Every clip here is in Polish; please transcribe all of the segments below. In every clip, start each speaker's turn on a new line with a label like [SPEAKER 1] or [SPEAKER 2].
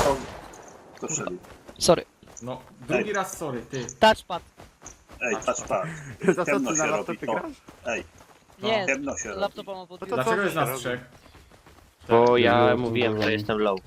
[SPEAKER 1] Kto strzelił?
[SPEAKER 2] Sorry.
[SPEAKER 3] No, drugi raz sorry, ty.
[SPEAKER 2] Touchpad.
[SPEAKER 1] Ej, patrz.
[SPEAKER 4] Za co
[SPEAKER 1] Ciemno
[SPEAKER 4] ty
[SPEAKER 1] się
[SPEAKER 4] na
[SPEAKER 1] robi,
[SPEAKER 4] laptopie
[SPEAKER 1] to.
[SPEAKER 4] grasz?
[SPEAKER 1] Ej,
[SPEAKER 2] Nie,
[SPEAKER 1] ciemno się robi.
[SPEAKER 2] laptopa mam pod
[SPEAKER 4] No to
[SPEAKER 3] Dlaczego
[SPEAKER 4] co
[SPEAKER 3] jest
[SPEAKER 4] się
[SPEAKER 3] nas
[SPEAKER 4] robi?
[SPEAKER 3] trzech?
[SPEAKER 5] Bo
[SPEAKER 6] Ja
[SPEAKER 5] ja
[SPEAKER 6] jestem
[SPEAKER 5] mówiłem, że
[SPEAKER 6] wolny.
[SPEAKER 5] jestem low.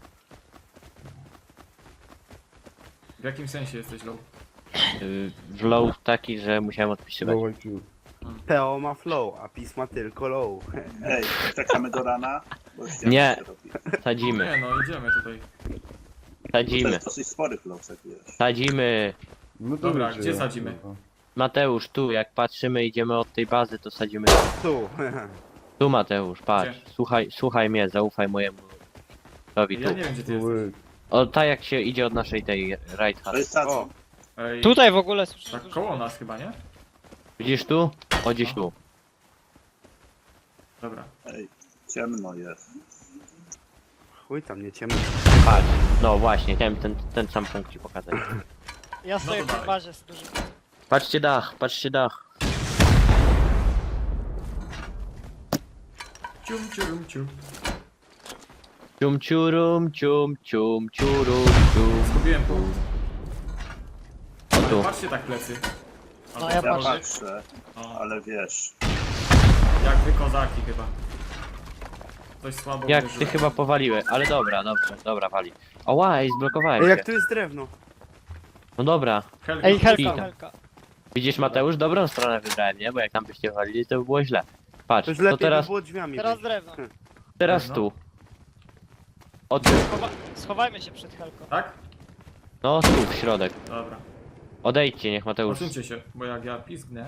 [SPEAKER 3] W jakim sensie jesteś low?
[SPEAKER 5] W low taki, że musiałem odpisywać.
[SPEAKER 6] Low IQ.
[SPEAKER 4] Teo ma flow, a pisma tylko low.
[SPEAKER 1] Ej, czekamy do rana? Bo już ciemno
[SPEAKER 5] Nie.
[SPEAKER 1] się robi.
[SPEAKER 5] Sadzimy,
[SPEAKER 3] Nie no, idziemy tutaj.
[SPEAKER 1] To
[SPEAKER 5] sadzimy,
[SPEAKER 1] jest dosyć spory flowsek, wiesz.
[SPEAKER 5] sadzimy.
[SPEAKER 6] No to
[SPEAKER 3] Dobra,
[SPEAKER 6] wiecie,
[SPEAKER 3] gdzie
[SPEAKER 6] ja,
[SPEAKER 3] sadzimy?
[SPEAKER 6] kurwa.
[SPEAKER 5] Mateusz, tu, jak patrzymy, idziemy od tej bazy, to sadzimy.
[SPEAKER 4] Tu.
[SPEAKER 5] Tu Mateusz, patrz.
[SPEAKER 3] Gdzie?
[SPEAKER 5] Słuchaj mnie, zaufaj mojemu. Robi
[SPEAKER 3] Ja
[SPEAKER 5] tu.
[SPEAKER 3] nie wiem gdzie ty jesteś.
[SPEAKER 6] Ły.
[SPEAKER 5] O, tak jak się idzie od naszej tej right
[SPEAKER 1] To
[SPEAKER 5] hand.
[SPEAKER 1] jest sadzon.
[SPEAKER 4] O,
[SPEAKER 3] Ej,
[SPEAKER 2] Tutaj w ogóle słyszę.
[SPEAKER 3] tak koło nas chyba, nie?
[SPEAKER 5] Widzisz tu? O, gdzieś tu.
[SPEAKER 3] Dobra.
[SPEAKER 1] Ej, ciemno jest.
[SPEAKER 4] chuj tam, nie ciemno.
[SPEAKER 5] Patrz. No właśnie, chciałem ten sam punkt ci pokazać.
[SPEAKER 2] Ja stoję
[SPEAKER 3] to
[SPEAKER 2] w tej
[SPEAKER 3] dalej.
[SPEAKER 2] bazie z dużym.
[SPEAKER 5] Patrzcie dach, patrzcie dach.
[SPEAKER 3] Cium, ciurum, cium.
[SPEAKER 5] Cium ciurum, cium cium ciurum, cium.
[SPEAKER 3] Zgubiłem punkt.
[SPEAKER 5] O
[SPEAKER 3] Ale
[SPEAKER 5] tu.
[SPEAKER 3] patrzcie tak plecy.
[SPEAKER 2] No, ja
[SPEAKER 1] Ja
[SPEAKER 2] patrzę.
[SPEAKER 1] patrzę,
[SPEAKER 3] O,
[SPEAKER 1] ale wiesz.
[SPEAKER 3] jak wy kozaki chyba. Ktoś słabo
[SPEAKER 5] Jak
[SPEAKER 3] uderzył.
[SPEAKER 5] ty chyba powaliłeś, ale dobra, dobrze, dobra, wali. Oła, ej, zblokowałem
[SPEAKER 4] Ej,
[SPEAKER 5] się.
[SPEAKER 4] jak tu jest drewno?
[SPEAKER 5] No dobra.
[SPEAKER 3] Helga,
[SPEAKER 2] Ej, helka,
[SPEAKER 5] Pika.
[SPEAKER 2] helka.
[SPEAKER 5] Widzisz Mateusz, dobrą stronę wybrałem, nie? Bo jak tam byście walili, to by było źle. Patrz,
[SPEAKER 4] To już
[SPEAKER 5] to
[SPEAKER 4] lepiej
[SPEAKER 5] teraz,
[SPEAKER 4] by było drzwiami
[SPEAKER 2] Teraz
[SPEAKER 4] wyjść.
[SPEAKER 2] drewno.
[SPEAKER 5] teraz
[SPEAKER 3] No.
[SPEAKER 5] tu. Od
[SPEAKER 2] Schowajmy się przed helką.
[SPEAKER 3] Tak?
[SPEAKER 5] no tu, w środek.
[SPEAKER 3] Dobra.
[SPEAKER 5] Odejdźcie, niech Mateusz.
[SPEAKER 3] Odsuńcie się, bo jak ja pizgnę,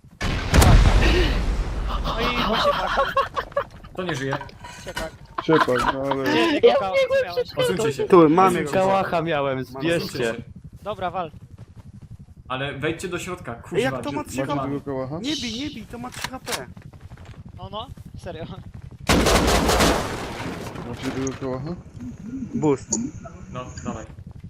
[SPEAKER 2] No i właśnie tak,
[SPEAKER 3] to nie żyje.
[SPEAKER 2] ciepak.
[SPEAKER 6] Ciepak, no ale...
[SPEAKER 2] Gdzie jego kałach miałeś?
[SPEAKER 3] Odsuńcie się.
[SPEAKER 4] Tu, mamy
[SPEAKER 3] Odsuńcie
[SPEAKER 4] go.
[SPEAKER 3] się.
[SPEAKER 5] Kałacha miałem,
[SPEAKER 3] Odsuńcie
[SPEAKER 5] zbierzcie.
[SPEAKER 3] się.
[SPEAKER 2] Dobra, wal.
[SPEAKER 3] Ale wejdźcie do środka, kuźwa.
[SPEAKER 4] Ej, jak to ma
[SPEAKER 3] czy-
[SPEAKER 4] 3
[SPEAKER 6] Macie
[SPEAKER 4] HP?
[SPEAKER 6] tego kałacha?
[SPEAKER 4] Nie bij, to ma 3 HP.
[SPEAKER 2] No, serio.
[SPEAKER 6] Macie tego kałacha?
[SPEAKER 4] Boost.
[SPEAKER 3] No, dawaj.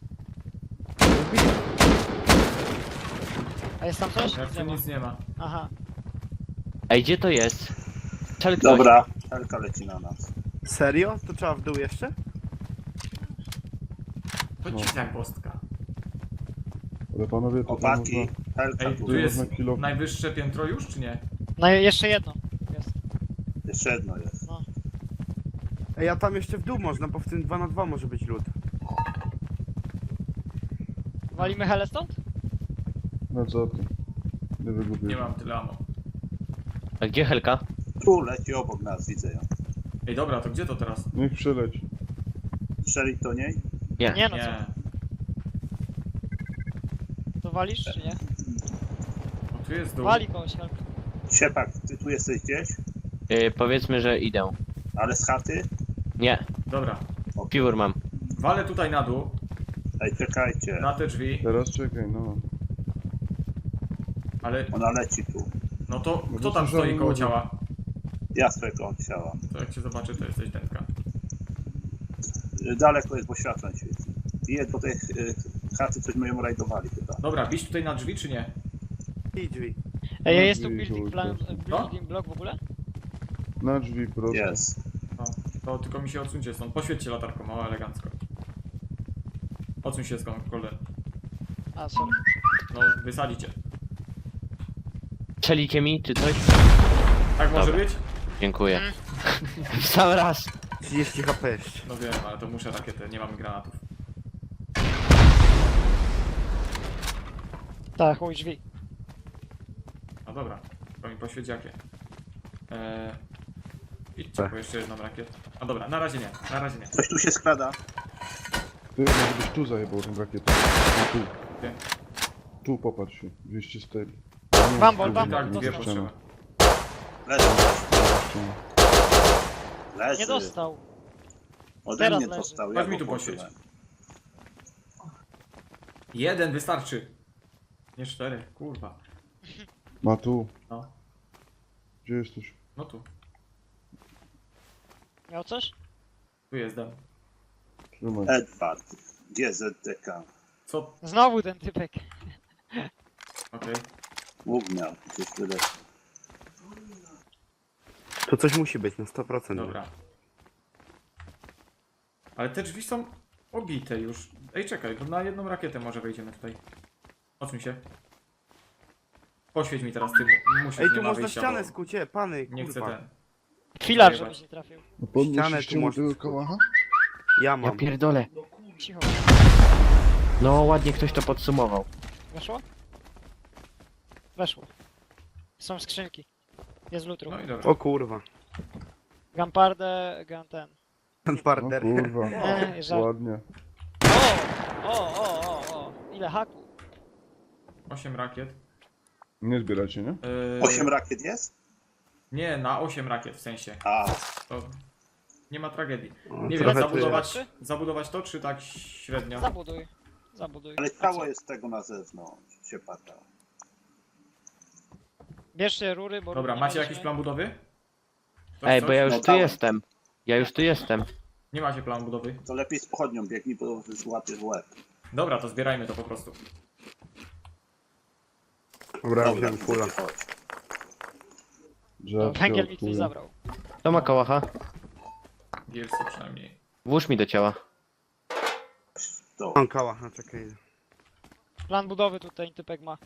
[SPEAKER 2] A jest tam coś?
[SPEAKER 3] Jak
[SPEAKER 2] Nie
[SPEAKER 3] tu
[SPEAKER 2] ma.
[SPEAKER 3] nic nie ma.
[SPEAKER 2] Aha.
[SPEAKER 5] Ej, gdzie to jest? Strzel ktoś.
[SPEAKER 1] Dobra, helka leci na nas.
[SPEAKER 4] Serio? To trzeba w dół jeszcze?
[SPEAKER 3] Chodźcie jak bostka.
[SPEAKER 6] Ale panowie, to tam
[SPEAKER 1] Chłopaki,
[SPEAKER 6] można...
[SPEAKER 1] helka
[SPEAKER 3] Ej,
[SPEAKER 1] tu.
[SPEAKER 3] tu jest
[SPEAKER 6] można kilo-
[SPEAKER 3] najwyższe piętro już, czy nie?
[SPEAKER 2] No i jeszcze jedno. Jest.
[SPEAKER 1] Jeszcze jedno jest.
[SPEAKER 4] Ej, a tam jeszcze w dół można, bo w tym 2 na 2 może być lód.
[SPEAKER 2] Walimy helę stąd?
[SPEAKER 6] No co ty? Nie wygubię.
[SPEAKER 3] Nie mam tyle ammo.
[SPEAKER 5] A gdzie Helka?
[SPEAKER 1] Tu leci obok nas, widzę ją.
[SPEAKER 3] Ej, dobra, to gdzie to teraz?
[SPEAKER 6] Niech przyleci.
[SPEAKER 1] Strzelić do niej?
[SPEAKER 5] Nie.
[SPEAKER 2] Nie no co?
[SPEAKER 3] Nie.
[SPEAKER 2] To walisz czy nie?
[SPEAKER 3] No tu jest dół.
[SPEAKER 2] Wali kogoś helka.
[SPEAKER 1] Siepak, ty tu jesteś gdzieś?
[SPEAKER 5] Powiedzmy, że idę.
[SPEAKER 1] Ale z chaty?
[SPEAKER 5] Nie,
[SPEAKER 3] Dobra.
[SPEAKER 5] piór mam.
[SPEAKER 3] Walę tutaj na dół,
[SPEAKER 1] Ej, czekajcie.
[SPEAKER 3] na te drzwi,
[SPEAKER 6] Teraz czekaj, no.
[SPEAKER 3] ale
[SPEAKER 1] Ona leci tu.
[SPEAKER 3] no to
[SPEAKER 6] No
[SPEAKER 3] kto
[SPEAKER 6] to
[SPEAKER 3] tam
[SPEAKER 6] słyszałem
[SPEAKER 3] stoi koło
[SPEAKER 6] mówię.
[SPEAKER 3] ciała?
[SPEAKER 1] Ja swego odsiałam.
[SPEAKER 3] To jak cię zobaczy, to jesteś dętka.
[SPEAKER 1] Daleko jest, bo światłem świeci. I do tej chaty coś my ją rajdowali chyba.
[SPEAKER 3] Dobra, bić tutaj na drzwi, czy nie?
[SPEAKER 4] I drzwi.
[SPEAKER 2] Ej,
[SPEAKER 6] No,
[SPEAKER 2] jest tu
[SPEAKER 6] drzwi
[SPEAKER 2] building, plan,
[SPEAKER 6] kogoś
[SPEAKER 2] building block w ogóle?
[SPEAKER 6] Na drzwi prosto.
[SPEAKER 1] Jest.
[SPEAKER 3] No, to tylko mi się odsuńcie stąd. Poświećcie latarką, mało elegancko. Odsuń się skąd, kolder.
[SPEAKER 2] A, sorry.
[SPEAKER 3] No, wysadzicie.
[SPEAKER 5] Strzelicie mi, czy coś?
[SPEAKER 3] Tak może
[SPEAKER 5] Dobra.
[SPEAKER 3] być?
[SPEAKER 5] Dziękuję. W sam raz.
[SPEAKER 4] 30 HP jeszcze.
[SPEAKER 3] No wiem, ale to muszę rakietę, nie mam granatów.
[SPEAKER 2] Tak, chuj drzwi.
[SPEAKER 3] No dobra, to mi poświeć jakie. Idźcie
[SPEAKER 4] Tak.
[SPEAKER 3] po jeszcze jedną rakietę. A dobra, na razie nie, na razie nie.
[SPEAKER 1] Coś tu się skrada.
[SPEAKER 6] Ty może byś tu zajebał tą rakietę. No tu.
[SPEAKER 3] Gdzie?
[SPEAKER 6] Tu popatrz się. 204.
[SPEAKER 2] Bambol,
[SPEAKER 6] tu
[SPEAKER 2] bambol,
[SPEAKER 3] Tak,
[SPEAKER 6] nie
[SPEAKER 3] dwie
[SPEAKER 2] dostał.
[SPEAKER 6] ściana.
[SPEAKER 3] potrzeba.
[SPEAKER 1] Leży.
[SPEAKER 2] Nie
[SPEAKER 1] Leży.
[SPEAKER 2] dostał.
[SPEAKER 1] Ode
[SPEAKER 2] Teraz
[SPEAKER 1] mnie
[SPEAKER 2] leży.
[SPEAKER 1] dostał.
[SPEAKER 3] Chodź
[SPEAKER 1] Ja
[SPEAKER 3] mi
[SPEAKER 1] go
[SPEAKER 3] tu poświeć.
[SPEAKER 1] poszłem.
[SPEAKER 3] Jeden wystarczy. Nie 4, kurwa.
[SPEAKER 6] Ma tu.
[SPEAKER 3] No,
[SPEAKER 6] Gdzie jesteś?
[SPEAKER 3] no tu.
[SPEAKER 2] Miał coś?
[SPEAKER 3] Tu jest dam.
[SPEAKER 6] Trzymaj.
[SPEAKER 1] Edward. GZDK.
[SPEAKER 3] Co?
[SPEAKER 2] Znowu ten typek.
[SPEAKER 3] Okej.
[SPEAKER 1] Łuk miał. Gdzieś tyle.
[SPEAKER 4] To coś musi być na 100%.
[SPEAKER 3] Dobra. Ale te drzwi są Obite już. Ej, czekaj, bo na jedną rakietę może wejdziemy tutaj. Odsuń się. Poświeć mi teraz tym. Musisz,
[SPEAKER 4] Ej,
[SPEAKER 3] nie
[SPEAKER 4] tu
[SPEAKER 3] ma
[SPEAKER 4] można
[SPEAKER 3] wyjścia,
[SPEAKER 4] ścianę
[SPEAKER 3] bo
[SPEAKER 4] skucie, pany,
[SPEAKER 3] nie chcę
[SPEAKER 4] kurwa.
[SPEAKER 3] ten.
[SPEAKER 2] Filar,
[SPEAKER 3] Zajebać.
[SPEAKER 2] żebyś nie trafił.
[SPEAKER 6] No
[SPEAKER 4] Ścianę
[SPEAKER 6] podnosiście
[SPEAKER 4] tu
[SPEAKER 6] mu
[SPEAKER 4] można
[SPEAKER 6] tego
[SPEAKER 4] skuć.
[SPEAKER 6] kałacha?
[SPEAKER 4] Ja
[SPEAKER 5] Ja
[SPEAKER 4] mam.
[SPEAKER 5] pierdolę.
[SPEAKER 2] Cicho.
[SPEAKER 5] No ładnie ktoś to podsumował.
[SPEAKER 2] Weszło? Weszło. Są skrzynki. Jest lutru.
[SPEAKER 3] No i dobra.
[SPEAKER 4] O kurwa.
[SPEAKER 2] Gampardę, gun ten.
[SPEAKER 6] No
[SPEAKER 4] Parter.
[SPEAKER 6] kurwa,
[SPEAKER 2] Żart.
[SPEAKER 6] ładnie.
[SPEAKER 2] O! Ile haku?
[SPEAKER 3] 8 rakiet.
[SPEAKER 6] Nie zbieracie, nie?
[SPEAKER 1] 8 rakiet jest?
[SPEAKER 3] Nie, na 8 rakiet w sensie.
[SPEAKER 1] A,
[SPEAKER 3] To nie ma tragedii.
[SPEAKER 4] O,
[SPEAKER 3] Nie wiem,
[SPEAKER 4] trochę
[SPEAKER 3] zabudować to, czy tak średnio?
[SPEAKER 2] Zabuduj. Zabuduj.
[SPEAKER 1] ale
[SPEAKER 2] A co?
[SPEAKER 1] ciało jest tego na zewnątrz, się pada.
[SPEAKER 2] Bierzcie rury, bo
[SPEAKER 3] Dobra,
[SPEAKER 2] rury nie
[SPEAKER 3] macie
[SPEAKER 2] mieliśmy.
[SPEAKER 3] jakiś plan budowy? Ktoś
[SPEAKER 5] Ej, bo
[SPEAKER 3] coś?
[SPEAKER 5] ja już
[SPEAKER 1] No
[SPEAKER 5] tu
[SPEAKER 1] dałem.
[SPEAKER 5] jestem. Ja już tu jestem.
[SPEAKER 3] Nie macie planu budowy?
[SPEAKER 1] To lepiej z pochodnią biegnij, bo złapiesz w łeb.
[SPEAKER 3] Dobra, to zbierajmy to po prostu.
[SPEAKER 4] Dobra,
[SPEAKER 1] Dobra,
[SPEAKER 4] wziąłem kula.
[SPEAKER 1] chodź.
[SPEAKER 6] Drzewko,
[SPEAKER 2] Węgiel mi ktoś
[SPEAKER 6] chuja.
[SPEAKER 2] zabrał.
[SPEAKER 5] To ma kałacha.
[SPEAKER 3] Wielcy przynajmniej.
[SPEAKER 5] Włóż mi do ciała.
[SPEAKER 1] To.
[SPEAKER 4] Mam kała, no czekaj.
[SPEAKER 2] Plan budowy tutaj typek ma.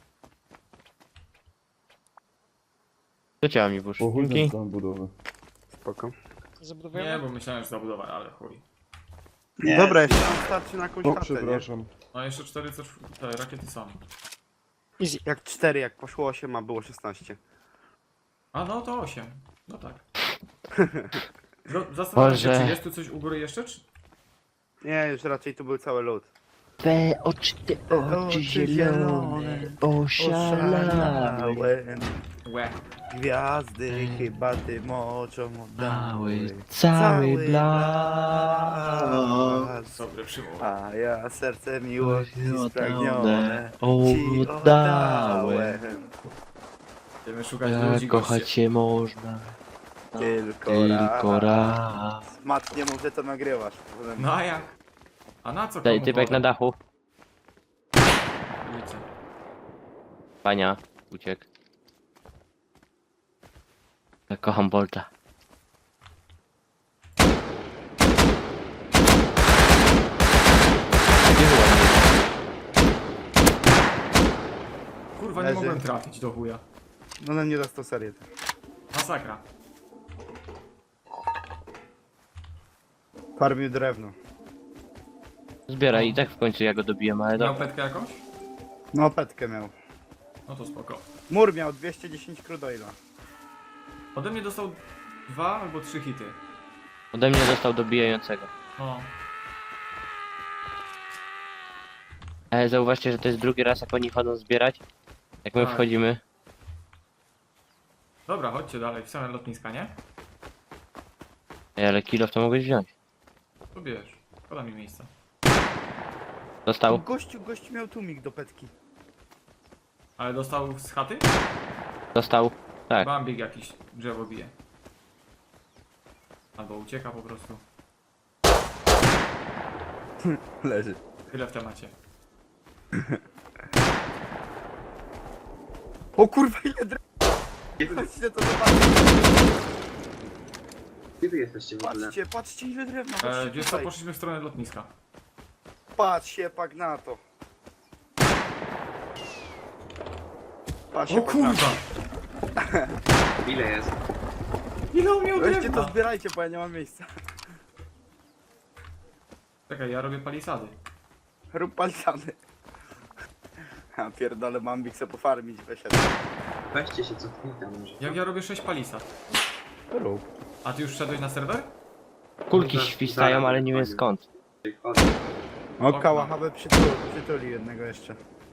[SPEAKER 5] Do ciała mi włóż.
[SPEAKER 6] O chuj ten
[SPEAKER 5] Dzięki.
[SPEAKER 6] plan budowy.
[SPEAKER 4] Spoko.
[SPEAKER 2] Zabudowujemy?
[SPEAKER 3] Nie, bo myślałem, że zabudowa, ale chuj.
[SPEAKER 1] Nie,
[SPEAKER 4] Dobra, jeszcze nam starczy na jakąś
[SPEAKER 6] O,
[SPEAKER 4] chatę, nie?
[SPEAKER 6] przepraszam.
[SPEAKER 3] No jeszcze 4 te rakiety są.
[SPEAKER 2] Easy.
[SPEAKER 4] Jak 4, jak poszło 8, a było 16.
[SPEAKER 3] A no to 8. No tak. Zastanawiam się,
[SPEAKER 5] Boże.
[SPEAKER 3] czy jest tu coś u góry jeszcze, czy...
[SPEAKER 4] Nie, już raczej tu był cały lód.
[SPEAKER 5] Te oczy zielone, oszalałem.
[SPEAKER 3] Łe.
[SPEAKER 4] Gwiazdy chyba tym oczom oddały.
[SPEAKER 5] Cały
[SPEAKER 4] blask.
[SPEAKER 3] Dobry przymów.
[SPEAKER 4] A ja serce miłości spragnione
[SPEAKER 5] Oddałem.
[SPEAKER 4] ci oddałem.
[SPEAKER 3] Będziemy szukać ludzi,
[SPEAKER 5] Jak kochać
[SPEAKER 3] goście.
[SPEAKER 5] się można.
[SPEAKER 4] Tylko
[SPEAKER 5] raz.
[SPEAKER 4] Mat, nie mów, że to nagrywasz. Potem-
[SPEAKER 3] No a jak? A na co
[SPEAKER 5] Daj
[SPEAKER 3] komu
[SPEAKER 5] typek na
[SPEAKER 3] woda?
[SPEAKER 5] dachu.
[SPEAKER 3] Wiecie.
[SPEAKER 5] Pania, uciekł. Ja kocham Bolta. Gdzie była?
[SPEAKER 3] Kurwa, nie
[SPEAKER 4] Leży.
[SPEAKER 3] mogłem trafić do chuja.
[SPEAKER 4] No na mnie dostał serię.
[SPEAKER 3] Masakra.
[SPEAKER 4] Farmił drewno.
[SPEAKER 5] Zbieraj i tak w końcu ja go dobiłem, ale
[SPEAKER 3] Miał
[SPEAKER 5] dobra.
[SPEAKER 3] petkę jakąś?
[SPEAKER 4] No petkę miał.
[SPEAKER 3] No to spoko.
[SPEAKER 4] Mur miał 210 crudoila.
[SPEAKER 3] Ode mnie dostał 2 albo 3 hity.
[SPEAKER 5] Ode mnie dostał dobijającego.
[SPEAKER 3] No.
[SPEAKER 5] Ale zauważcie, że to jest drugi raz jak oni chodzą zbierać. Jak my
[SPEAKER 3] Tak.
[SPEAKER 5] wchodzimy.
[SPEAKER 3] Dobra, chodźcie dalej, w same lotniska, nie?
[SPEAKER 5] Ej, ale kilof to mogłeś wziąć.
[SPEAKER 3] To bierz. Poda mi miejsca.
[SPEAKER 5] Dostał?
[SPEAKER 4] Gościu miał tłumik do petki.
[SPEAKER 3] Ale dostał z chaty?
[SPEAKER 5] Dostał. Tak.
[SPEAKER 3] Bambik jakiś drzewo bije. Albo ucieka po prostu.
[SPEAKER 4] Leży.
[SPEAKER 3] Tyle w temacie.
[SPEAKER 4] O kurwa, ile drewna! Chodźcie to zobaczyć.
[SPEAKER 7] Gdzie wy jesteście w ogóle?
[SPEAKER 4] Patrzcie ile drewna. Patrzcie
[SPEAKER 3] Wiesz co,
[SPEAKER 4] tutaj.
[SPEAKER 3] poszliśmy w stronę lotniska.
[SPEAKER 4] Patrz się pak na to. Patrz
[SPEAKER 3] O
[SPEAKER 4] się pak na to.
[SPEAKER 3] kurwa!
[SPEAKER 7] Ile jest?
[SPEAKER 3] Ile on miał
[SPEAKER 4] Weźcie to
[SPEAKER 3] drewna?
[SPEAKER 4] zbierajcie, bo ja nie mam miejsca.
[SPEAKER 3] Czekaj, ja robię palisady.
[SPEAKER 4] Rób palcany. A pierdolę, Mambik se pofarmić wyszedł.
[SPEAKER 7] Weźcie się, cofnij tam może.
[SPEAKER 3] Jak ja robię 6 palisad.
[SPEAKER 6] Rób.
[SPEAKER 3] A ty już wszedłeś na serwer?
[SPEAKER 5] Kulki
[SPEAKER 7] Zaraz-
[SPEAKER 5] świstają,
[SPEAKER 7] zaraz
[SPEAKER 5] ale nie wiem
[SPEAKER 7] wychodził.
[SPEAKER 5] skąd.
[SPEAKER 7] Chodź.
[SPEAKER 4] O, kałachabę przytuli jednego jeszcze.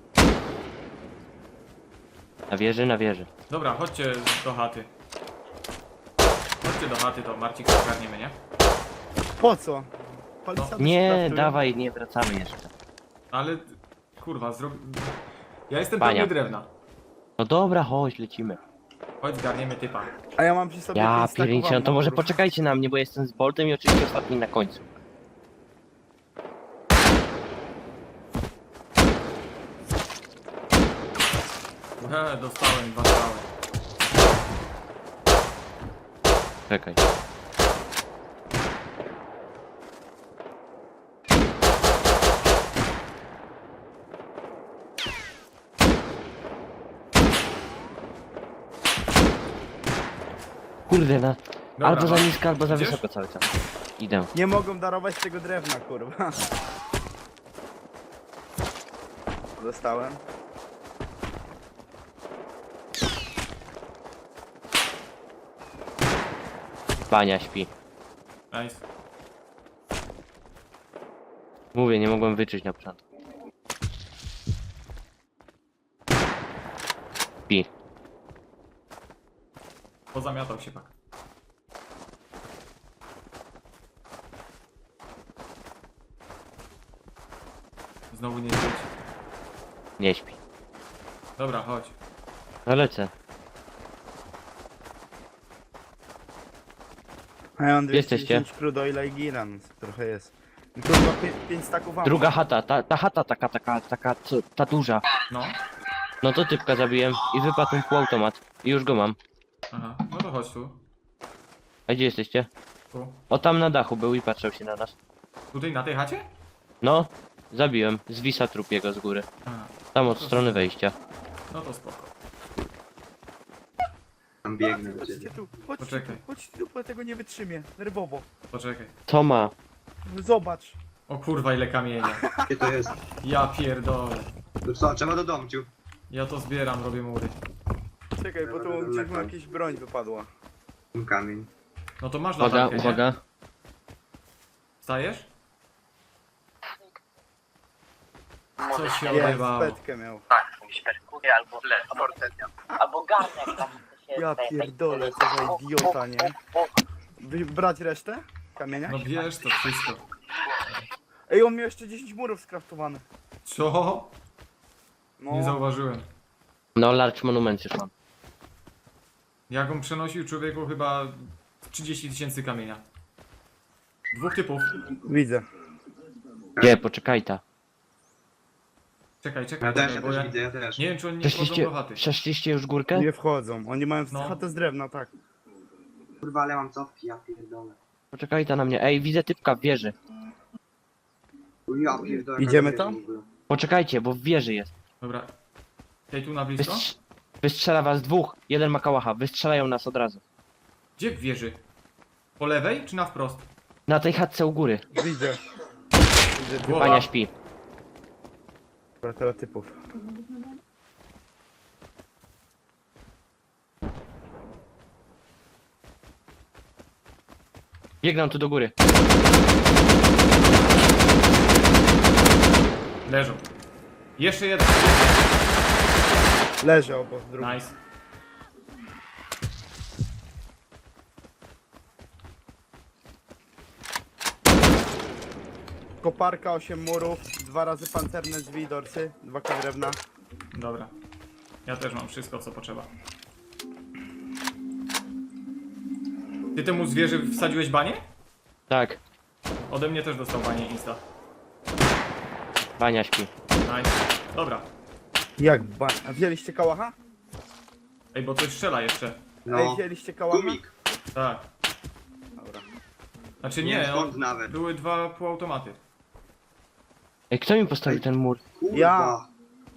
[SPEAKER 5] Na wieży, na wieży.
[SPEAKER 3] Dobra, chodźcie do chaty. Chodźcie do chaty, to Marcik zagarniemy, nie?
[SPEAKER 4] Po co? Palcany
[SPEAKER 5] Nie,
[SPEAKER 4] sprawdzują.
[SPEAKER 5] dawaj, nie wracamy jeszcze.
[SPEAKER 3] Ale... Kurwa, Ja jestem
[SPEAKER 5] Pania.
[SPEAKER 3] pełny drewna.
[SPEAKER 5] No dobra, chodź, lecimy.
[SPEAKER 3] Chodź, zgarniemy typa.
[SPEAKER 4] A ja mam przy sobie
[SPEAKER 5] Ja
[SPEAKER 4] 5 staków
[SPEAKER 5] pierniczę, no to
[SPEAKER 4] ammo,
[SPEAKER 5] może
[SPEAKER 4] kurwa.
[SPEAKER 5] poczekajcie na mnie, bo jestem z Boltem i oczywiście ostatni na końcu.
[SPEAKER 3] Dostałem 2 strzały.
[SPEAKER 5] Czekaj. Kurde, na...
[SPEAKER 3] Dobra,
[SPEAKER 5] albo za
[SPEAKER 3] chodź.
[SPEAKER 5] nisko, albo za
[SPEAKER 3] Idziesz?
[SPEAKER 5] wysoko cały czas. Idę.
[SPEAKER 4] Nie mogą darować tego drewna, kurwa. Dostałem.
[SPEAKER 5] Bania śpi.
[SPEAKER 3] Nice.
[SPEAKER 5] Mówię, nie mogłem wyczuć na początku. Śpi.
[SPEAKER 3] Pozamiatał się pak. Znowu nie śpieć.
[SPEAKER 5] Nie śpi.
[SPEAKER 3] Dobra, chodź.
[SPEAKER 5] No lecę.
[SPEAKER 4] A ja mam
[SPEAKER 5] Jesteście?
[SPEAKER 4] 210 crudo i Laigiran, trochę jest. I kurwa 5 staków mam.
[SPEAKER 5] Druga chata, ta chata taka, co, ta duża.
[SPEAKER 3] No.
[SPEAKER 5] No to typka zabiłem i wypadł mi półautomat. I już go mam.
[SPEAKER 3] Aha, no to chodź tu.
[SPEAKER 5] A gdzie jesteście?
[SPEAKER 3] Tu.
[SPEAKER 5] O, tam na dachu był i patrzał się na nas.
[SPEAKER 3] Tutaj na tej chacie?
[SPEAKER 5] No, zabiłem. Zwisa trup jego z góry.
[SPEAKER 3] Aha,
[SPEAKER 5] Tam od strony wejścia.
[SPEAKER 3] no to spoko.
[SPEAKER 7] Tam biegnę do
[SPEAKER 4] Chodźcie
[SPEAKER 7] ciebie.
[SPEAKER 4] tu, chodźcie
[SPEAKER 3] Poczekaj.
[SPEAKER 4] tu, chodźcie tu, bo tego nie wytrzymię. Nerwowo.
[SPEAKER 3] Poczekaj.
[SPEAKER 5] Co ma?
[SPEAKER 4] Zobacz.
[SPEAKER 3] O kurwa, ile kamienia.
[SPEAKER 7] Gdzie to jest?
[SPEAKER 3] Ja pierdolę.
[SPEAKER 7] To co, trzeba do domciu.
[SPEAKER 3] Ja to zbieram, robię mury.
[SPEAKER 4] Czekaj, bo tu gdzieś mu jakaś broń wypadła.
[SPEAKER 7] Ten kamień.
[SPEAKER 3] No to masz
[SPEAKER 5] Uwaga,
[SPEAKER 3] latarkę, nie?
[SPEAKER 5] uwaga.
[SPEAKER 3] Wstajesz? Co się
[SPEAKER 4] Jest,
[SPEAKER 3] odjebało?
[SPEAKER 4] petkę miał.
[SPEAKER 8] Albo garnek tam się
[SPEAKER 4] Ja pierdolę, co za idiota, nie? Brać resztę? Kamienia?
[SPEAKER 3] No wiesz to wszystko.
[SPEAKER 4] Ej, on miał jeszcze 10 murów skraftowanych.
[SPEAKER 3] Co?
[SPEAKER 4] No,
[SPEAKER 3] Nie zauważyłem.
[SPEAKER 5] No, large monument już mam.
[SPEAKER 3] Jak on przenosił człowieku chyba 30 000 kamienia. Dwóch typów.
[SPEAKER 4] widzę.
[SPEAKER 5] Gdzie? Poczekaj ta.
[SPEAKER 3] Czekaj,
[SPEAKER 7] Ja
[SPEAKER 3] czekaj,
[SPEAKER 7] też,
[SPEAKER 3] czekaj, bo ja
[SPEAKER 7] widzę, ja też.
[SPEAKER 3] nie wiem czy oni nie wchodzą do chaty.
[SPEAKER 5] Przeszliście już górkę?
[SPEAKER 4] Nie wchodzą. Oni mają
[SPEAKER 3] No.
[SPEAKER 4] chatę z drewna, tak.
[SPEAKER 7] Kurwa, ale mam cofki, ja pierdolę.
[SPEAKER 5] Poczekaj ta na mnie. Ej, widzę typka w wieży.
[SPEAKER 7] Ja pierdolę.
[SPEAKER 4] Idziemy
[SPEAKER 7] jaka
[SPEAKER 4] tam?
[SPEAKER 7] wieża w ogóle.
[SPEAKER 5] Poczekajcie, bo w wieży jest.
[SPEAKER 3] Dobra. Tej tu na blisko?
[SPEAKER 5] Wystrzela was dwóch. Jeden ma kałacha. Wystrzelają nas od razu.
[SPEAKER 3] Gdzie w wieży? Po lewej czy na wprost?
[SPEAKER 5] Na tej chatce u góry.
[SPEAKER 4] Widzę. Widzę typa.
[SPEAKER 3] Głowa.
[SPEAKER 5] Bania śpi.
[SPEAKER 4] Typów.
[SPEAKER 5] Biegną tu do góry.
[SPEAKER 3] Leżą. Jeszcze jeden.
[SPEAKER 4] Leży obok drugi.
[SPEAKER 3] Nice.
[SPEAKER 4] Koparka, 8 murów, 2 razy pancerne drzwi, dorsy, 2 drewna.
[SPEAKER 3] Dobra. Ja też mam wszystko co potrzeba. Ty temu zwierzę wsadziłeś banie?
[SPEAKER 5] Tak.
[SPEAKER 3] Ode mnie też dostał banie insta.
[SPEAKER 5] Bania śpi.
[SPEAKER 3] Nice. Dobra.
[SPEAKER 4] Jak A wzięliście kałacha?
[SPEAKER 3] Ej, bo coś strzela jeszcze.
[SPEAKER 4] Ej,
[SPEAKER 7] No,
[SPEAKER 4] wzięliście kałacha?
[SPEAKER 7] gumik.
[SPEAKER 3] Tak.
[SPEAKER 4] Dobra.
[SPEAKER 3] Znaczy
[SPEAKER 7] Nie wiem
[SPEAKER 3] nie,
[SPEAKER 7] skąd nawet.
[SPEAKER 3] były dwa półautomaty.
[SPEAKER 5] Ej, kto mi postawił ten mur?
[SPEAKER 7] Kurwa.
[SPEAKER 4] Ja.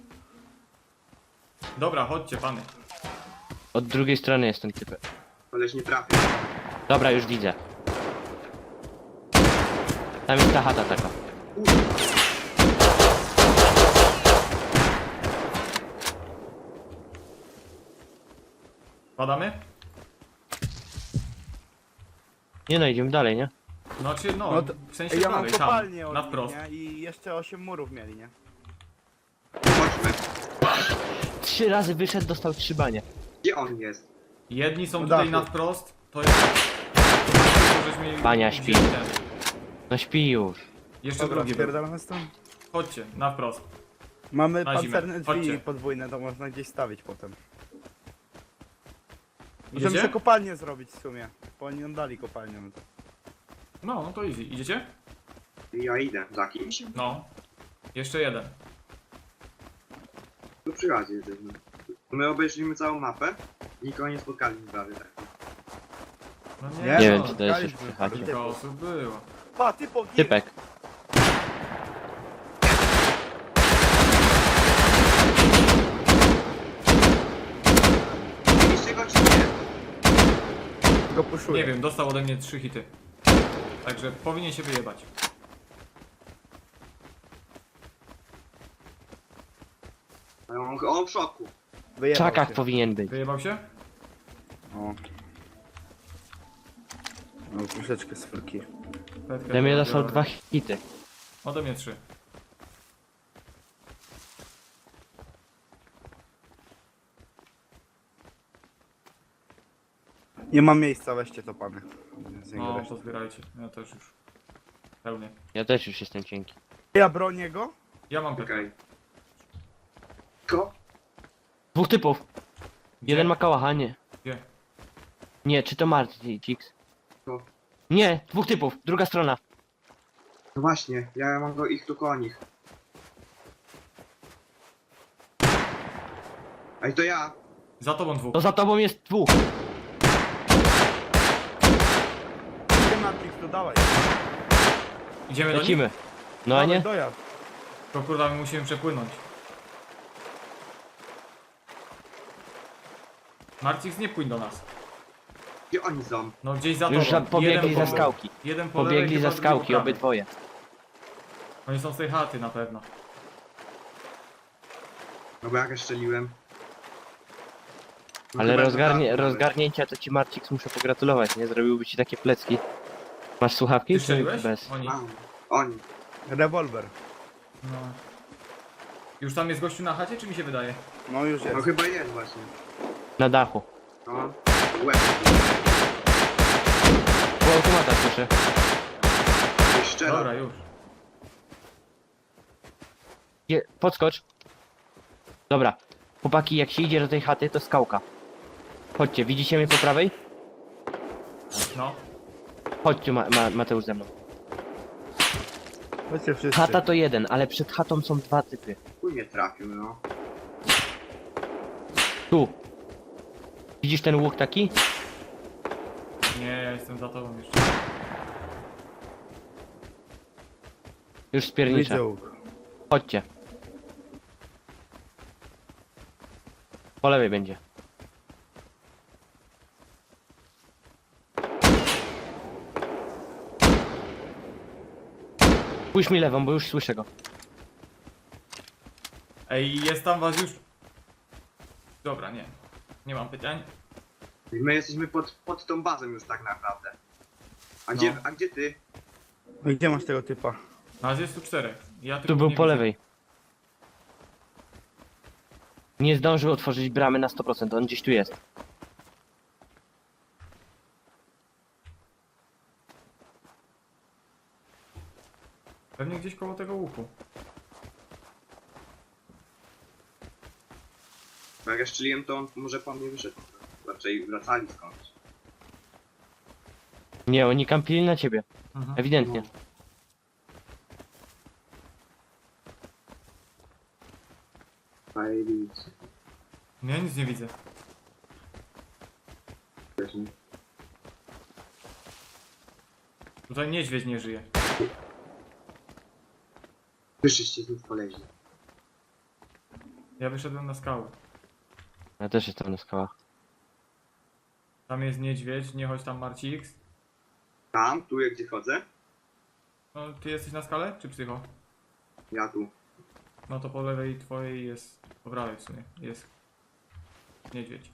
[SPEAKER 3] Dobra, chodźcie pany.
[SPEAKER 5] Od drugiej strony jest ten typ.
[SPEAKER 7] Koleś nie trafił.
[SPEAKER 5] Dobra, już widzę. Tam jest ta chata taka.
[SPEAKER 3] Padamy?
[SPEAKER 5] Nie no, idziemy dalej, nie?
[SPEAKER 3] Znaczy no,
[SPEAKER 4] No to-
[SPEAKER 3] w sensie
[SPEAKER 4] Ej, ja mam
[SPEAKER 3] dalej,
[SPEAKER 4] kopalnię
[SPEAKER 3] tam,
[SPEAKER 4] od
[SPEAKER 3] na
[SPEAKER 4] nich,
[SPEAKER 3] wprost.
[SPEAKER 4] nie? I jeszcze 8 murów mieli, nie?
[SPEAKER 7] Chodźmy.
[SPEAKER 5] 3 razy wyszedł, dostał 3 banie.
[SPEAKER 7] Gdzie on jest?
[SPEAKER 3] Jedni są
[SPEAKER 4] Na
[SPEAKER 3] tutaj
[SPEAKER 4] dachu.
[SPEAKER 3] na wprost, to jest... To żeśmy
[SPEAKER 5] Bania
[SPEAKER 3] wzięli
[SPEAKER 5] śpi.
[SPEAKER 3] ten.
[SPEAKER 5] No śpi już.
[SPEAKER 3] Jeszcze
[SPEAKER 4] Dobra,
[SPEAKER 3] drugi był.
[SPEAKER 4] spierdalamy stąd.
[SPEAKER 3] Chodźcie, na wprost.
[SPEAKER 4] Mamy
[SPEAKER 3] Na zimę.
[SPEAKER 4] pancerne drzwi
[SPEAKER 3] Chodźcie.
[SPEAKER 4] podwójne, to można gdzieś stawić potem. Możemy
[SPEAKER 3] Idziecie?
[SPEAKER 4] sobie kopalnię zrobić w sumie, bo oni nam dali kopalnię. No to.
[SPEAKER 3] No, no to easy. Idziecie?
[SPEAKER 7] Ja idę za kimś.
[SPEAKER 3] No. Jeszcze jeden.
[SPEAKER 7] Tu przychodzi jesteśmy. My obejrzymy całą mapę. Nikogo nie spotkaliśmy prawie tak.
[SPEAKER 3] No
[SPEAKER 4] Nie,
[SPEAKER 5] Nie wiem,
[SPEAKER 3] no,
[SPEAKER 5] czy to jest już
[SPEAKER 4] spotkaliśmy.
[SPEAKER 5] przy chacie.
[SPEAKER 3] kilka osób było.
[SPEAKER 4] Pa, typo, gir!
[SPEAKER 5] Typek.
[SPEAKER 7] Widzieliście go czy nie?
[SPEAKER 4] go puszuję.
[SPEAKER 3] Nie wiem, dostał ode mnie 3 hity. Także powinien się wyjebać.
[SPEAKER 7] On w szoku.
[SPEAKER 5] W
[SPEAKER 4] Wyjebał
[SPEAKER 5] czakach
[SPEAKER 4] się.
[SPEAKER 5] powinien być.
[SPEAKER 3] Wyjebał się?
[SPEAKER 4] O. No troszeczkę z furki.
[SPEAKER 3] Petkę
[SPEAKER 5] Ode mnie
[SPEAKER 3] biorę.
[SPEAKER 5] dostał 2 hity.
[SPEAKER 3] Ode mnie 3.
[SPEAKER 4] Nie mam miejsca, weźcie to pany. Z niego
[SPEAKER 3] No,
[SPEAKER 4] resztę.
[SPEAKER 3] pozbierajcie. Ja też już. Pełnie.
[SPEAKER 5] Ja też już jestem cienki.
[SPEAKER 4] Ja bronię go?
[SPEAKER 3] Ja mam petkę.
[SPEAKER 7] Okej. Ko?
[SPEAKER 5] 2 typów.
[SPEAKER 3] Gdzie?
[SPEAKER 5] Jeden ma kałacha, nie.
[SPEAKER 3] Gdzie?
[SPEAKER 5] Nie, czy to Marcix?
[SPEAKER 7] To.
[SPEAKER 5] Nie, 2 typów, druga strona.
[SPEAKER 7] No właśnie, ja mam go ich tu koło nich. Ej, to ja.
[SPEAKER 3] Za tobą 2.
[SPEAKER 5] To za tobą jest 2.
[SPEAKER 4] Gdzie Matrix, to dawaj.
[SPEAKER 3] Idziemy do nich?
[SPEAKER 5] Lecimy. No a
[SPEAKER 4] Dawaj,
[SPEAKER 5] nie?
[SPEAKER 4] dojazd.
[SPEAKER 3] To kurwa, my musimy przepłynąć. Marcix, nie płyń do nas.
[SPEAKER 7] Gdzie oni są?
[SPEAKER 3] No gdzieś za
[SPEAKER 5] Już
[SPEAKER 3] tobą.
[SPEAKER 5] pobiegli za
[SPEAKER 3] Jeden po-
[SPEAKER 5] skałki.
[SPEAKER 3] Jeden po lewej,
[SPEAKER 5] Pobiegli
[SPEAKER 3] chyba
[SPEAKER 5] za
[SPEAKER 3] drugi po
[SPEAKER 5] skałki,
[SPEAKER 3] prawej.
[SPEAKER 5] obydwoje.
[SPEAKER 3] Oni są z tej chaty na pewno.
[SPEAKER 7] No bo jak ja strzeliłem. No
[SPEAKER 5] Ale
[SPEAKER 7] chyba za tamtym nawet.
[SPEAKER 5] rozgarnięcia to ci Marcix muszę pogratulować, nie? Zrobiłby ci takie plecki. Masz słuchawki?
[SPEAKER 3] Ty
[SPEAKER 5] Czy
[SPEAKER 3] strzeliłeś?
[SPEAKER 5] bez?
[SPEAKER 3] Oni.
[SPEAKER 7] Mam. Oni.
[SPEAKER 4] Rewolwer.
[SPEAKER 3] No. Już tam jest gościu na chacie, czy mi się wydaje?
[SPEAKER 4] No już
[SPEAKER 7] No
[SPEAKER 4] jest.
[SPEAKER 7] chyba jest właśnie.
[SPEAKER 5] Na dachu.
[SPEAKER 7] No. Łeb.
[SPEAKER 5] Po automata słyszę.
[SPEAKER 7] Szczera.
[SPEAKER 3] Dobra, już.
[SPEAKER 5] Podskocz. Dobra. Chłopaki, jak się idzie do tej chaty, to skałka. Chodźcie, widzicie mnie po prawej?
[SPEAKER 3] No.
[SPEAKER 5] Chodźcie, Mateusz ze mną.
[SPEAKER 4] Chodźcie wszyscy.
[SPEAKER 5] Chata to jeden, ale przed chatą są 2 typy.
[SPEAKER 7] Chuj mnie trafił, no.
[SPEAKER 5] Tu. Widzisz ten łuk taki?
[SPEAKER 3] Nie, ja jestem za tobą jeszcze.
[SPEAKER 5] Już spierniczę.
[SPEAKER 4] Widzę łuk.
[SPEAKER 5] Chodźcie. Po lewej będzie. Pójdź mi lewą, bo już słyszę go.
[SPEAKER 3] Ej, jest tam was już... Dobra, nie. Nie mam pytań.
[SPEAKER 7] I my jesteśmy pod tą bazą już tak naprawdę. A
[SPEAKER 3] No.
[SPEAKER 7] gdzie ty?
[SPEAKER 4] No gdzie masz tego typa?
[SPEAKER 3] Nas jest tu 4. Ja
[SPEAKER 5] Tu
[SPEAKER 3] tylko
[SPEAKER 5] był
[SPEAKER 3] nie
[SPEAKER 5] po
[SPEAKER 3] widzę.
[SPEAKER 5] lewej. Nie zdążył otworzyć bramy na 100%, on gdzieś tu jest.
[SPEAKER 3] Pewnie gdzieś koło tego łuku.
[SPEAKER 7] Bo jak ja strzeliłem, to on może po mnie wyszedł. Raczej wracali skądś.
[SPEAKER 5] Nie, oni kampili na ciebie.
[SPEAKER 3] Mhm.
[SPEAKER 5] Ewidentnie.
[SPEAKER 7] Zajebiście.
[SPEAKER 3] Ja nic nie widzę. Tutaj niedźwiedź nie żyje.
[SPEAKER 7] Wyższyście znów poleźli.
[SPEAKER 3] Ja wyszedłem na skałę.
[SPEAKER 5] Ja też jestem na skałach.
[SPEAKER 3] Tam jest niedźwiedź, nie chodź tam Marcix.
[SPEAKER 7] Tam, tu jak gdzie chodzę?
[SPEAKER 3] No, ty jesteś na skale, czy psycho?
[SPEAKER 7] Ja tu.
[SPEAKER 3] No to po lewej twojej jest... Po prawej w sumie jest... Niedźwiedź.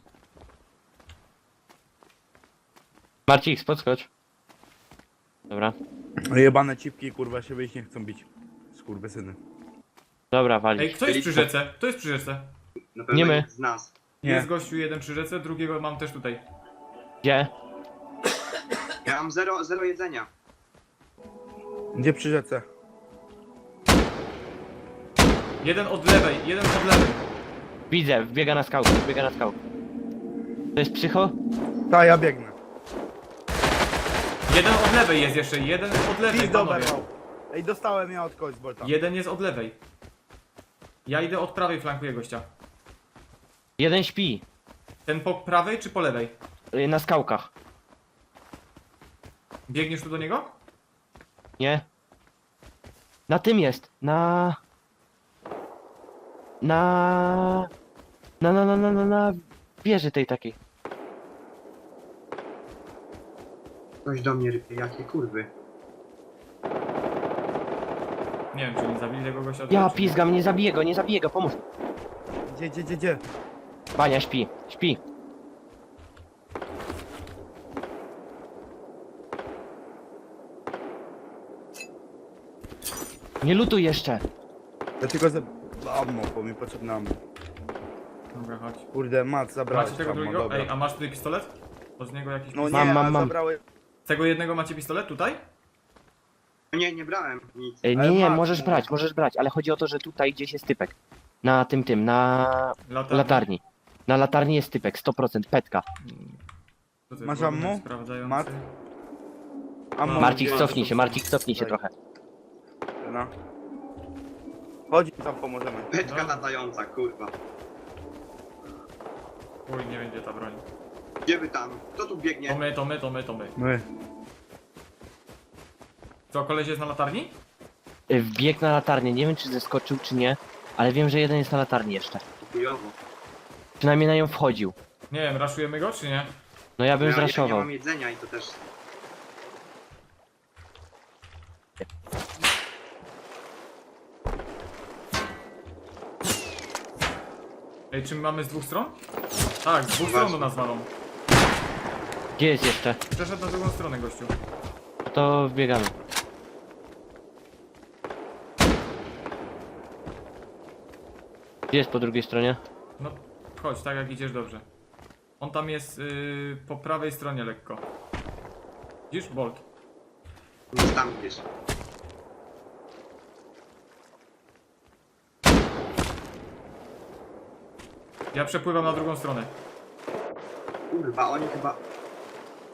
[SPEAKER 5] Marcix, podskocz. Dobra.
[SPEAKER 4] Jebane cipki, kurwa, się wyjść nie chcą bić. Skurwysyny.
[SPEAKER 5] Dobra,
[SPEAKER 3] Ej,
[SPEAKER 5] walić.
[SPEAKER 3] kto jest przy rzece? Kto jest przy rzece?
[SPEAKER 7] Na pewno
[SPEAKER 5] Nie my.
[SPEAKER 7] nikt z nas.
[SPEAKER 4] Nie.
[SPEAKER 3] Jest gościu jeden przy rzece, drugiego mam też tutaj.
[SPEAKER 5] Gdzie?
[SPEAKER 7] Ja mam zero jedzenia.
[SPEAKER 4] Gdzie przy rzece?
[SPEAKER 3] Jeden od lewej, jeden od lewej.
[SPEAKER 5] Widzę, wbiega na skałkę, wbiega na skałkę. To jest psycho?
[SPEAKER 4] Ta, ja biegnę.
[SPEAKER 3] Jeden od lewej jest jeszcze, jeden od lewej,
[SPEAKER 4] Pizdo
[SPEAKER 3] panowie.
[SPEAKER 4] berwał. Ej, dostałem ja od kogoś z Bolta.
[SPEAKER 3] Jeden jest od lewej. Ja idę od prawej, flankuję gościa.
[SPEAKER 5] Jeden śpi.
[SPEAKER 3] Ten po prawej czy po lewej?
[SPEAKER 5] Na skałkach.
[SPEAKER 3] Biegniesz tu do niego?
[SPEAKER 5] Nie? Na tym jest. Na wieży tej takiej.
[SPEAKER 7] Ktoś do mnie rypie, jakie kurwy.
[SPEAKER 3] Nie wiem, czy oni zabili tego gościa.
[SPEAKER 5] Ja
[SPEAKER 3] czy-
[SPEAKER 5] pizgam, nie zabiję go, pomóż.
[SPEAKER 4] Gdzie?
[SPEAKER 5] Bania, śpi, śpi. Nie lutuj jeszcze.
[SPEAKER 4] Ja tylko za... Ammo, bo mi potrzebne ammo.
[SPEAKER 3] Dobra, chodź.
[SPEAKER 4] Kurde, Mat, zabrałeś
[SPEAKER 3] Macie tego
[SPEAKER 4] ammo,
[SPEAKER 3] drugiego?
[SPEAKER 4] dobra.
[SPEAKER 3] Ej, a masz tutaj pistolet? Od niego jakiś
[SPEAKER 4] No
[SPEAKER 3] pistolet?
[SPEAKER 4] nie,
[SPEAKER 5] Mam.
[SPEAKER 4] zabrałeś...
[SPEAKER 3] Z tego jednego macie pistolet tutaj?
[SPEAKER 7] Nie, nie brałem nic.
[SPEAKER 5] Ej,
[SPEAKER 4] Ale
[SPEAKER 5] nie,
[SPEAKER 4] masz,
[SPEAKER 5] możesz brać, ale chodzi o to, że tutaj gdzieś jest typek. Na na latarni. Na latarni jest typek, 100%, petka.
[SPEAKER 3] To ty,
[SPEAKER 4] Masz
[SPEAKER 3] ładunek
[SPEAKER 4] ammo?
[SPEAKER 3] sprawdzający.
[SPEAKER 4] Mat? Ammo
[SPEAKER 5] Marcik,
[SPEAKER 4] gdzie-
[SPEAKER 5] cofnij się
[SPEAKER 4] Daj.
[SPEAKER 5] trochę.
[SPEAKER 4] No. Chodź, tam pomożemy.
[SPEAKER 7] Beczka
[SPEAKER 3] No.
[SPEAKER 7] latająca, kurwa.
[SPEAKER 3] Uj, nie będzie ta broń.
[SPEAKER 7] Gdzie wy tam? Kto tu biegnie?
[SPEAKER 3] To my.
[SPEAKER 4] My.
[SPEAKER 3] Co, koleś jest na latarni?
[SPEAKER 5] Wbiegł na latarnię, nie wiem czy zeskoczył czy nie, ale wiem, że jeden jest na latarni jeszcze.
[SPEAKER 7] Chujowo.
[SPEAKER 5] Przynajmniej na nią wchodził.
[SPEAKER 3] Nie wiem, raszujemy go, czy nie?
[SPEAKER 5] No ja bym
[SPEAKER 7] Ja nie
[SPEAKER 5] zraszował.
[SPEAKER 7] mam jedzenia i to też...
[SPEAKER 3] Ej, czy my mamy z dwóch stron? Tak, z dwóch stron do nas walą.
[SPEAKER 5] Gdzie jest jeszcze?
[SPEAKER 3] Przeszedł na drugą stronę, gościu.
[SPEAKER 5] No to wbiegamy. Gdzie jest po drugiej stronie?
[SPEAKER 3] No, chodź, tak jak idziesz dobrze. On tam jest po prawej stronie lekko. Widzisz? Bolt.
[SPEAKER 7] Jest tam gdzieś.
[SPEAKER 3] Ja przepływam na drugą stronę.
[SPEAKER 7] Kurwa, oni chyba...